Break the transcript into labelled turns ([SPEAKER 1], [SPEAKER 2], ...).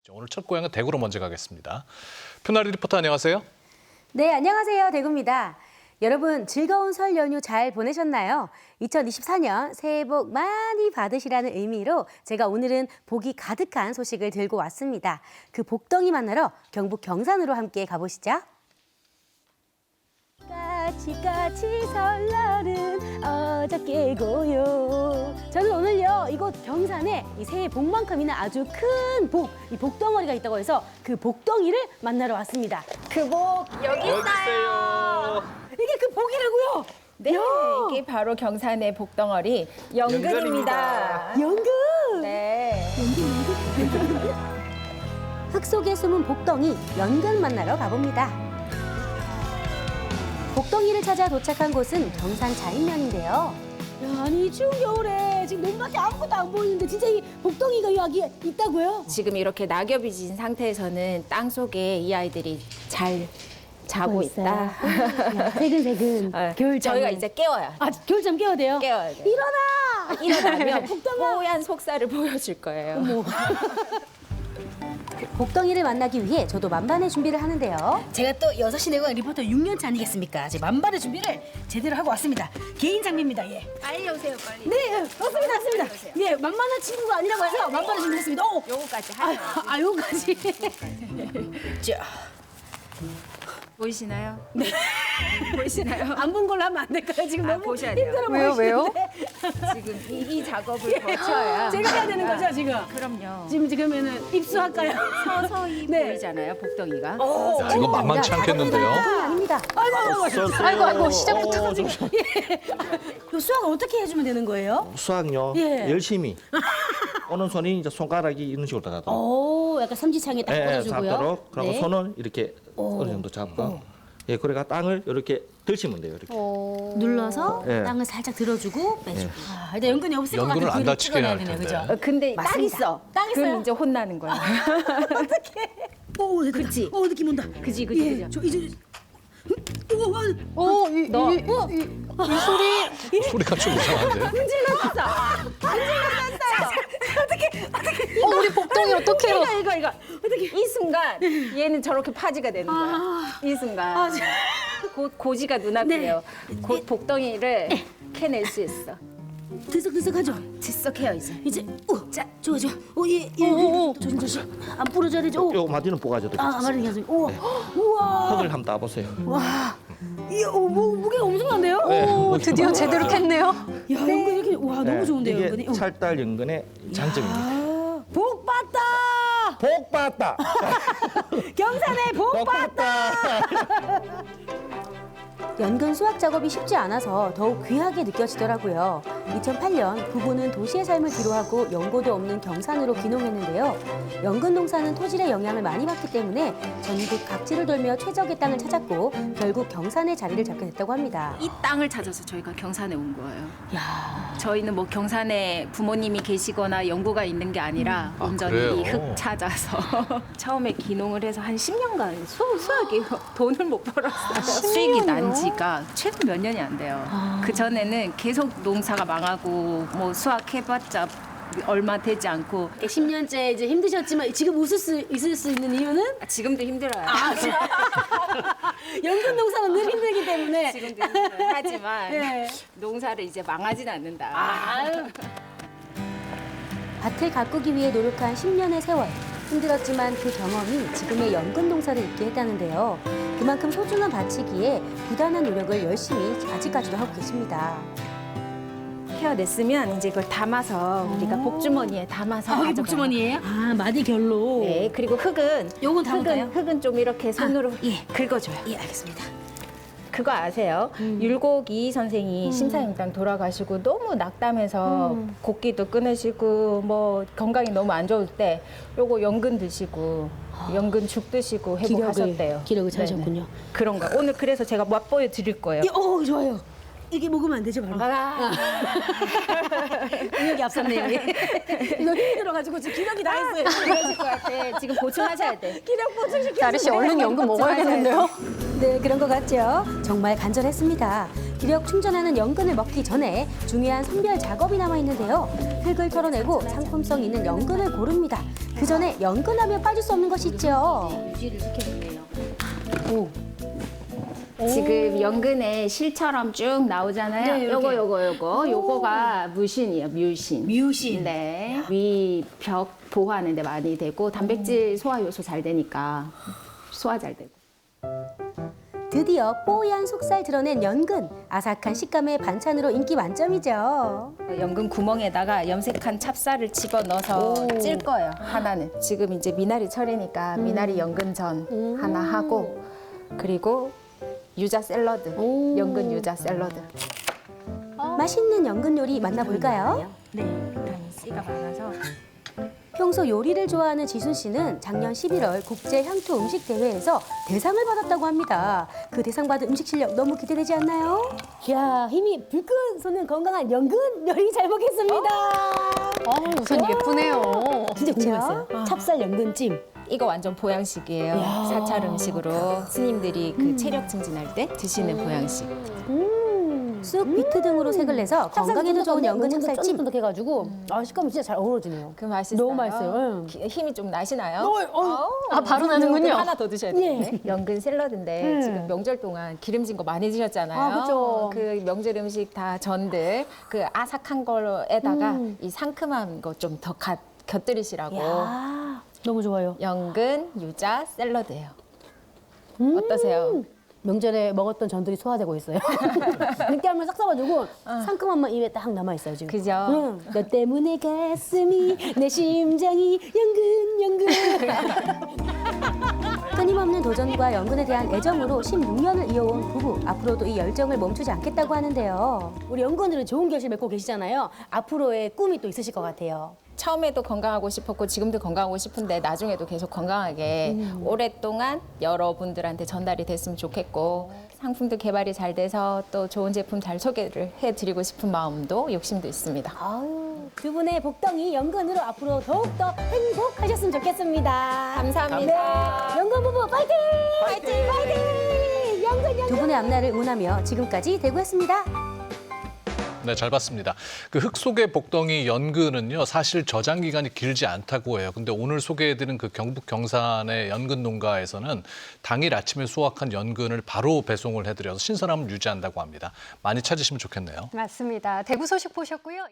[SPEAKER 1] 오늘 첫 고향은 대구로 먼저 가겠습니다. 표나리 리포터 안녕하세요.
[SPEAKER 2] 네, 안녕하세요. 대구입니다. 여러분 즐거운 설 연휴 잘 보내셨나요? 2024년 새해 복 많이 받으시라는 의미로 제가 오늘은 복이 가득한 소식을 들고 왔습니다. 그 복덩이 만나러 경북 경산으로 함께 가보시죠. 까치까치 설날은 어저께고요. 저는 오늘요 이곳 경산에 이 새해 복만큼이나 아주 큰 복, 이 복덩어리가 있다고 해서 그 복덩이를 만나러 왔습니다.
[SPEAKER 3] 그 복 여기 있어요.
[SPEAKER 2] 이게 그 복이라고요?
[SPEAKER 3] 네,
[SPEAKER 2] 야.
[SPEAKER 3] 이게 바로 경산의 복덩어리 연근입니다.
[SPEAKER 2] 연근!
[SPEAKER 3] 네.
[SPEAKER 2] 흙 속에 숨은 복덩이 연근 만나러 가봅니다. 복덩이를 찾아 도착한 곳은 경산 자인면인데요. 야, 아니 추운 겨울에 지금 눈밖에 아무것도 안 보이는데 진짜 이 복덩이가 여기 있다고요?
[SPEAKER 3] 지금 이렇게 낙엽이 진 상태에서는 땅 속에 이 아이들이 잘 자고 있다.
[SPEAKER 2] 새근새근 겨울잠.
[SPEAKER 3] 저희가 이제 깨워요.
[SPEAKER 2] 아, 겨울잠 깨워야 돼요?
[SPEAKER 3] 깨워야 돼요.
[SPEAKER 2] 일어나!
[SPEAKER 3] 일어나면
[SPEAKER 2] 복덩아!
[SPEAKER 3] 뽀얀 속살을 보여줄 거예요.
[SPEAKER 2] 복덩이를 만나기 위해 저도 만반의 준비를 하는데요.
[SPEAKER 4] 제가 또 6시 내고향 리포터 6년차 아니겠습니까? 제 만반의 준비를 제대로 하고 왔습니다. 개인 장비입니다. 예.
[SPEAKER 3] 빨리 오세요, 빨리.
[SPEAKER 4] 네, 왔습니다. 예, 만만한 친구가 아니라고 해서 만반의 준비했습니다. 오!
[SPEAKER 3] 요거까지 하죠.
[SPEAKER 4] 요까지. 자,
[SPEAKER 3] 보이시나요? 네. 보이시나요?
[SPEAKER 4] 안 본 걸로 하면 안 될까요? 지금
[SPEAKER 3] 아,
[SPEAKER 4] 너무
[SPEAKER 3] 보셔야 돼요.
[SPEAKER 4] 힘들어
[SPEAKER 3] 왜요,
[SPEAKER 4] 보이시는데.
[SPEAKER 3] 지금 이 작업을 거쳐야.
[SPEAKER 4] 제가 해야 되는 거죠, 지금?
[SPEAKER 3] 그럼요.
[SPEAKER 4] 지금 그러면은 입수할까요?
[SPEAKER 3] 서서히
[SPEAKER 4] 네.
[SPEAKER 3] 보이잖아요, 복덩이가.
[SPEAKER 1] 야, 이거 만만치 않겠는데요.
[SPEAKER 2] 복덩이 아닙니다.
[SPEAKER 4] 아이고, 시작부터. 예. 요 수학을 어떻게 해주면 되는 거예요?
[SPEAKER 5] 수학요
[SPEAKER 4] 예.
[SPEAKER 5] 열심히 오는 손이 이제 손가락이 이런 식으로 따가도록
[SPEAKER 4] 오, 약간 삼지창에 딱 꽂아주고요.
[SPEAKER 5] 잡도록 그리고
[SPEAKER 4] 네.
[SPEAKER 5] 손을 이렇게 어느 정도 잡고 예 그래가 땅을 이렇게 들시면 돼요 이렇게
[SPEAKER 4] 눌러서
[SPEAKER 5] 예.
[SPEAKER 4] 땅을 살짝 들어주고 빼주고. 아, 일단 연근이 없을 것
[SPEAKER 1] 연근을
[SPEAKER 4] 같아요.
[SPEAKER 1] 안
[SPEAKER 4] 뒤로
[SPEAKER 1] 다치게 해야 할
[SPEAKER 4] 찍어놔야 되네,
[SPEAKER 1] 텐데.
[SPEAKER 4] 그죠?
[SPEAKER 3] 근데 딱
[SPEAKER 4] 맞습니다.
[SPEAKER 3] 있어.
[SPEAKER 4] 딱 있어요?
[SPEAKER 3] 그럼 이제 혼나는 거야.
[SPEAKER 4] 오,
[SPEAKER 3] 그치?
[SPEAKER 4] 느낌 온다.
[SPEAKER 3] 그지,
[SPEAKER 4] 예,
[SPEAKER 3] 그지.
[SPEAKER 4] 저 이제
[SPEAKER 1] 소리가 좀 이상한데.
[SPEAKER 3] 우리 복덩이 어떡해요? 이거. 이 순간 얘는 저렇게 파지가 되는 거야. 이 순간. 곧 고지가 눈앞이에요. 곧 복덩이를 캐낼 수 있어.
[SPEAKER 4] 들썩들썩하죠?
[SPEAKER 3] 질석해요 이제.
[SPEAKER 4] 이제 자, 좋아. 예. 조심. 안 부러져야 되죠?
[SPEAKER 5] 요 마디는 뽀가져도
[SPEAKER 4] 말이
[SPEAKER 5] 괜찮습니다.
[SPEAKER 4] 계속. 우와.
[SPEAKER 5] 흙을 한번 따보세요
[SPEAKER 4] 이야, 무게가 엄청난데요?
[SPEAKER 5] 오
[SPEAKER 6] 드디어 제대로 캤네요.
[SPEAKER 4] 야, 연근 이렇게 와, 너무 좋은데요,
[SPEAKER 5] 이게
[SPEAKER 4] 연근이.
[SPEAKER 5] 찰달 연근의 장점입니다
[SPEAKER 4] 아, 복 받다.
[SPEAKER 5] 복 받다
[SPEAKER 4] 경산에 복 받다.
[SPEAKER 2] 연근 수확 작업이 쉽지 않아서 더욱 귀하게 느껴지더라고요. 2008년 부부는 도시의 삶을 뒤로하고 연고도 없는 경산으로 귀농했는데요. 연근 농사는 토질의 영향을 많이 받기 때문에 전국 각지를 돌며 최적의 땅을 찾았고 결국 경산에 자리를 잡게 됐다고 합니다.
[SPEAKER 3] 이 땅을 찾아서 저희가 경산에 온 거예요. 저희는 뭐 경산에 부모님이 계시거나 연구가 있는 게 아니라 온전히
[SPEAKER 1] 그래요?
[SPEAKER 3] 이 흙 찾아서 처음에 기농을 해서 한 10년간 수학이 돈을 못 벌었어요. 수익이 난 지가 최소 몇 년이 안 돼요. 그 전에는 계속 농사가 망하고 뭐 수확해봤자 얼마 되지 않고
[SPEAKER 4] 10년째 이제 힘드셨지만 지금 웃을 수 있을 수 있는 이유는
[SPEAKER 3] 지금도 힘들어요.
[SPEAKER 4] 연근 농사는 늘 힘들기 때문에.
[SPEAKER 3] 지금도 힘들어요. 하지만
[SPEAKER 4] 네.
[SPEAKER 3] 농사를 이제 망하진 않는다.
[SPEAKER 2] 밭을 가꾸기 위해 노력한 10년의 세월. 힘들었지만 그 경험이 지금의 연근 농사를 잇게 했다는데요. 그만큼 소중한 밭이기에 부단한 노력을 열심히 아직까지도 하고 계십니다.
[SPEAKER 3] 헤어냈으면 이제 그걸 담아서 우리가 복주머니에 담아서
[SPEAKER 4] 여기
[SPEAKER 3] 가져가요.
[SPEAKER 4] 복주머니예요? 아, 마디 결로.
[SPEAKER 3] 네, 그리고 흙은
[SPEAKER 4] 요건 담을까요?
[SPEAKER 3] 흙은 좀 이렇게 손으로 긁어줘요.
[SPEAKER 4] 예, 알겠습니다.
[SPEAKER 3] 그거 아세요? 율곡 이희 선생이 심사임당 돌아가시고 너무 낙담해서 곡기도 끊으시고 뭐 건강이 너무 안 좋을 때 요거 연근 드시고 연근 죽 드시고 회복하셨대요.
[SPEAKER 4] 기력을
[SPEAKER 3] 네네.
[SPEAKER 4] 찾으셨군요.
[SPEAKER 3] 그런 거. 오늘 그래서 제가 맛보여 드릴 거예요.
[SPEAKER 4] 예, 좋아요. 이게 먹으면 안 되죠, 바로. 기력이 앞섰네요. 예. 이거 힘들어가지고 지금 기력이 다 했어요.
[SPEAKER 3] 그러실 것 같아. 지금 보충하셔야 돼.
[SPEAKER 4] 기력 보충시켜주세요.
[SPEAKER 6] 나리 씨 얼른 연금 먹어야겠는데요?
[SPEAKER 2] 네, 그런 것 같죠? 정말 간절했습니다. 기력 충전하는 연근을 먹기 전에 중요한 선별 작업이 남아 있는데요. 흙을 털어내고 상품성 있는 연근을 고릅니다. 그 전에 연근하면 빠질 수 없는 것이 있죠.
[SPEAKER 4] 유지를 시켜주네요.
[SPEAKER 3] 지금 연근에 실처럼 쭉 나오잖아요.
[SPEAKER 4] 네, 이렇게.
[SPEAKER 3] 요거가 무신이에요. 뮤신.
[SPEAKER 4] 뮤신.
[SPEAKER 3] 네. 위 벽 보호하는 데 많이 되고 단백질 소화 요소 잘 되니까 소화 잘 되고.
[SPEAKER 2] 드디어 뽀얀 속살 드러낸 연근. 아삭한 식감의 반찬으로 인기 만점이죠.
[SPEAKER 3] 연근 구멍에다가 염색한 찹쌀을 집어 넣어서 찔 거예요. 하나는. 지금 이제 미나리 철이니까 미나리 연근전 하나 하고 그리고 유자 샐러드. 연근 유자 샐러드.
[SPEAKER 2] 맛있는 연근 요리 만나볼까요?
[SPEAKER 3] 네. 비타민 C가 많아서
[SPEAKER 2] 평소 요리를 좋아하는 지순 씨는 작년 11월 국제 향토 음식 대회에서 대상을 받았다고 합니다. 그 대상 받은 음식 실력 너무 기대되지 않나요?
[SPEAKER 4] 이야, 힘이 불끈 솟는 건강한 연근 요리 잘 먹겠습니다.
[SPEAKER 6] 우선 예쁘네요.
[SPEAKER 4] 진짜 궁금했어요. 찹쌀 연근찜.
[SPEAKER 3] 이거 완전 보양식이에요. 사찰 음식으로 스님들이 그 체력 증진할 때 드시는 보양식.
[SPEAKER 2] 쑥, 비트 등으로 색을 내서 건강에도 좋은 연근 찹쌀찜.
[SPEAKER 4] 쫀득쫀득해가지고 식감이 진짜 잘 어우러지네요.
[SPEAKER 3] 그 맛있어요.
[SPEAKER 4] 너무 맛있어요.
[SPEAKER 3] 힘이 좀 나시나요?
[SPEAKER 6] 바로 나는군요.
[SPEAKER 3] 하나 더 드셔야 되는데. 연근 샐러드인데 지금 명절 동안 기름진 거 많이 드셨잖아요.
[SPEAKER 4] 아, 그쵸.
[SPEAKER 3] 그 명절 음식 다 전들 그 아삭한 거에다가 이 상큼한 거 좀 더 곁들이시라고.
[SPEAKER 4] 야, 너무 좋아요.
[SPEAKER 3] 연근 유자 샐러드예요. 어떠세요?
[SPEAKER 4] 명절에 먹었던 전들이 소화되고 있어요. 느끼함을 싹 써가지고 상큼한 맛 입에 딱 남아 있어요 지금.
[SPEAKER 3] 그죠?
[SPEAKER 4] 응. 너 때문에 가슴이 내 심장이 연근.
[SPEAKER 2] 끊임없는 도전과 연근에 대한 애정으로 16년을 이어온 부부. 앞으로도 이 열정을 멈추지 않겠다고 하는데요.
[SPEAKER 4] 우리 연근들은 좋은 결실 맺고 계시잖아요. 앞으로의 꿈이 또 있으실 것 같아요.
[SPEAKER 3] 처음에도 건강하고 싶었고 지금도 건강하고 싶은데 나중에도 계속 건강하게 오랫동안 여러분들한테 전달이 됐으면 좋겠고 상품도 개발이 잘 돼서 또 좋은 제품 잘 소개를 해드리고 싶은 마음도 욕심도 있습니다.
[SPEAKER 4] 아유, 두 분의 복덩이 연근으로 앞으로 더욱더 행복하셨으면 좋겠습니다.
[SPEAKER 3] 감사합니다.
[SPEAKER 4] 연근 부부 파이팅! 파이팅! 연근
[SPEAKER 2] 두 분의 앞날을 응원하며 지금까지 대구였습니다.
[SPEAKER 1] 네, 잘 봤습니다. 그 흙 속의 복덩이 연근은요, 사실 저장 기간이 길지 않다고 해요. 근데 오늘 소개해드린 그 경북 경산의 연근 농가에서는 당일 아침에 수확한 연근을 바로 배송을 해드려서 신선함을 유지한다고 합니다. 많이 찾으시면 좋겠네요.
[SPEAKER 6] 맞습니다. 대구 소식 보셨고요.